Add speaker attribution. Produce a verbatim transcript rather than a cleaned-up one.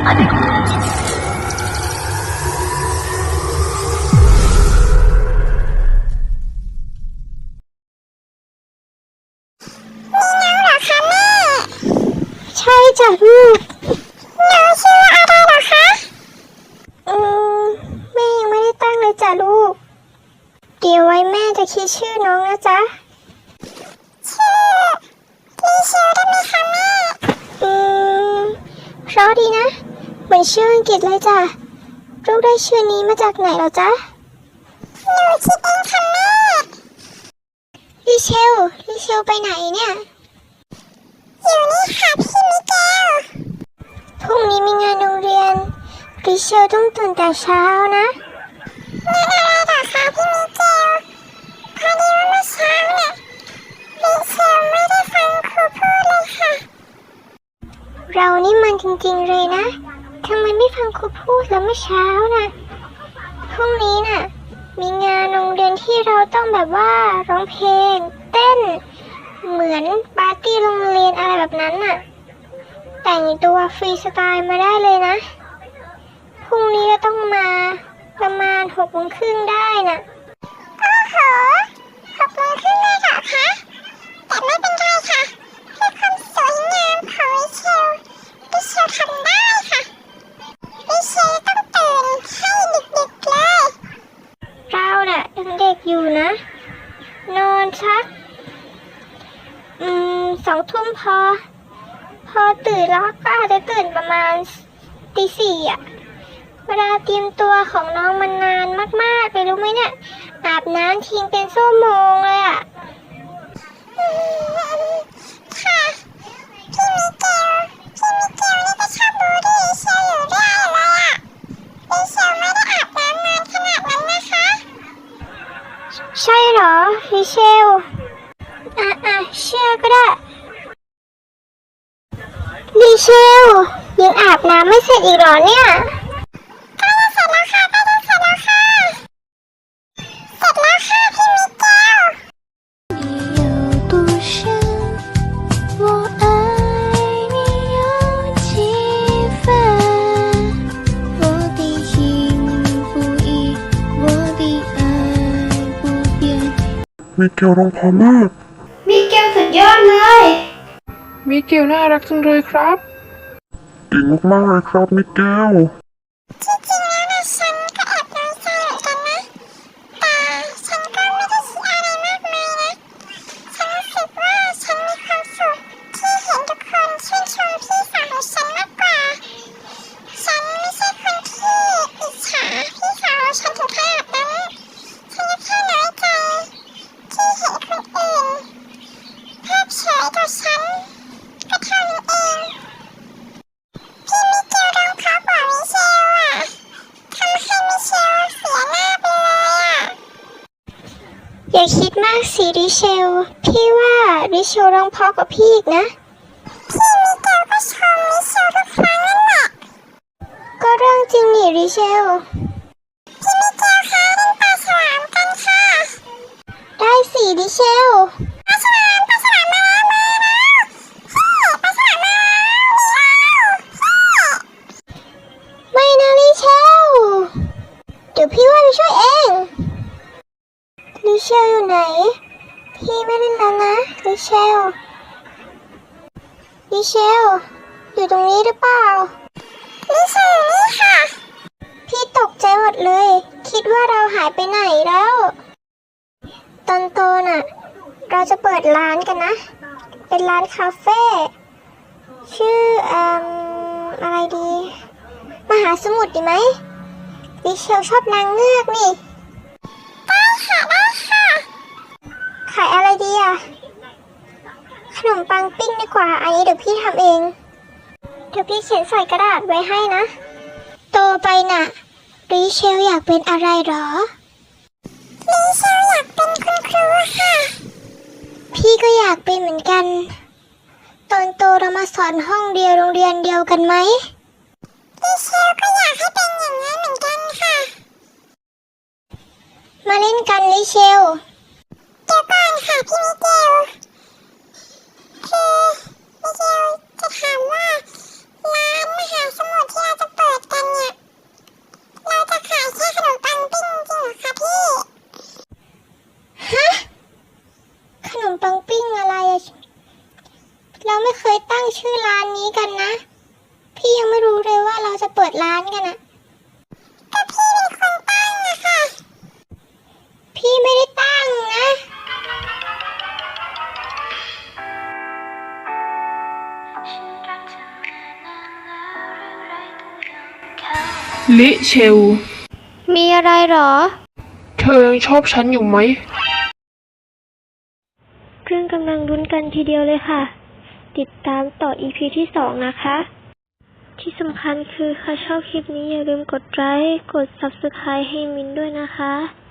Speaker 1: ใช่จ้ะลูกน้องชื่ออะไรเหรอคะอืมแม่ยังไม่ได้ตั้งเลยจ้ะลูกเดี๋ยวไว้แม่จะคิดชื่อน้องนะจ๊ะชื่อลีเชลได้ไหมคะแม่อืมเพราะดีนะเหมือนชื่ออังกฤษเลยจ้ะลูกได้ชื่อนี้มาจากไหนเหรอจ๊ะหนูคิดเองค่ะแม่ลีเชลลีเชลไปไหนเนี่ยอยู่นี่ค่ะพี่มิเกลพรุ่งนี้มีงานโรงเรียนริเชลต้องตื่นแต่เช้านะงานอะไรเหรอคะพี่มิเกลพอดีว่าเมื่อเช้าเนี่ยริเชลไม่ได้ฟังครูพูดเลยค่ะเรานี่มันจริงๆเลยนะทำไมไม่ฟังครูพูดแล้วเมื่อเช้านะพรุ่งนี้น่ะมีงานโรงเรียนที่เราต้องแบบว่าร้องเพลงเต้นเหมือนปาร์ตี้โรงเรียนอะไรแบบนั้นน่ะแต่งตัวฟรีสไตล์มาได้เลยนะพรุ่งนี้ก็ต้องมาประมาณหกโมงครึ่งได้น่ะโอ้โหหกโมงครึ่งเลยเหรอคะแต่ไม่เป็นไรค่ะเพื่อความสวยงามของวิเชลวิเชลทำได้ค่ะวิเชลต้องตื่นให้ดึกๆเลยเราน่ะยังเด็กอยู่นะนอนสักอืมสองทุ่มพอพอตื่นแล้วก็อาจจะตื่นประมาณตีสี่อ่ะเวลาเตรียมตัวของน้องมันนานมากๆเลยรู้ไหมเนี่ยอาบน้ำทิ้งเป็นชั่วโมงเลยอ่ะค่ะพี่มิเกลพี่มิเกลนี่ก็ชอบบูลลี่เชลอยู่เรื่อยเลยอ่ะดิเชลไม่ได้อาบน้ำนานขนาดนั้นนะคะใช่เหรอดิเชลอ่ะอ่ะเชื่อก็ได้ดิเชลยังอาบน้ำไม่เสร็จอีกเหรอเนี่ยใกล้จะเสร็จแล้วค่ะใกล้จะเสร็จแล้วค่ะเสร็จแล้วค่ะพี่มิเกล
Speaker 2: 有多深我爱你有几分我的心不移我的爱不变
Speaker 3: มิเกลร้องเพราะมาก
Speaker 1: มิเกลสุดยอดเลย
Speaker 3: มิเกลน่ารักจังเลยครับเก่งมากๆเลยครับมิเกล
Speaker 1: ที่จริงแล้วนะฉันก็แอบน้อยใจเหมือนกันนะแต่ฉันก็ไม่ได้คิดอะไรมากมายนะฉันรู้สึกว่าฉันมีความสุขที่เห็นทุกคนชื่นชมพี่สาวของฉันมากกว่าฉันไม่ใช่คนที่อิจฉาพี่สาวฉันถึงขนาดนั้นฉันก็แค่น้อยใจที่เห็นคนอื่นเพิกเฉยกับฉันก็เท่านั้นเองพี่มิเกลร้องเพราะกว่ามิเชลอ่ะทำให้มิเชลเสียหน้าไปเลยอ่ะอย่าคิดมากสิริเชลพี่ว่าริเชลร้องเพราะกว่าพี่อีกนะพี่มิเกลก็ชมมิเชลทุกครั้งนั่นแหละก็เรื่องจริงนี่ริเชลพี่มิเกลคะเล่นปลาฉลามกันค่ะได้สิริเชลปลาฉลามปลาฉลามมาแล้วมาแล้วปลาฉลามมาแล้วไม่นะลิเชลเดี๋ยวพี่ว่าไปช่วยเองลิเชลอยู่ไหนพี่ไม่เล่นแล้วนะลิเชลลิเชลอยู่ตรงนี้หรือเปล่าลิเชลอยู่นี่ค่ะพี่ตกใจหมดเลยคิดว่าเราหายไปไหนแล้วตอนโตน่ะเราจะเปิดร้านกันนะเป็นร้านคาเฟ่ชื่อเอ่ออะไรดีมหาสมุทรดีไหมลิเชลชอบนางเงือกนี่ได้ค่ะได้ค่ะขายอะไรดีอ่ะขนมปังปิ้งดีกว่าอันนี้เดี๋ยวพี่ทำเองเดี๋ยวพี่เขียนใส่กระดาษไว้ให้นะโตไปน่ะลิเชลอยากเป็นอะไรหรอลิเชลอยากเป็นคุณครูค่ะพี่ก็อยากเป็นเหมือนกันตอนโตเรามาสอนห้องเดียวโรงเรียนเดียวกันไหมลิเชลก็อยากให้เป็นอย่างนั้นเหมือนกันค่ะมาเล่นกันลิเชลเดี๋ยวก่อนค่ะพี่มิเกลคือมิเกลจะถามว่าร้านมหาสมุทรที่เราจะเราไม่เคยตั้งชื่อร้านนี้กันนะพี่ยังไม่รู้เลยว่าเราจะเปิดร้านกันนะก็พี่เป็นคนตั้งนะคะพี่ไม่ได้ตั้งนะ
Speaker 3: ลิเชล
Speaker 1: มีอะไรหรอ
Speaker 3: เธอยังชอบฉันอยู่ไหม
Speaker 1: เพื่อนกำลังลุ้นกันทีเดียวเลยค่ะ ติดตามต่อ อี พี ที่สองนะคะ ที่สำคัญคือถ้าชอบคลิปนี้อย่าลืมกดไลค์ กด ซับสไครบ์ ให้มินด้วยนะคะ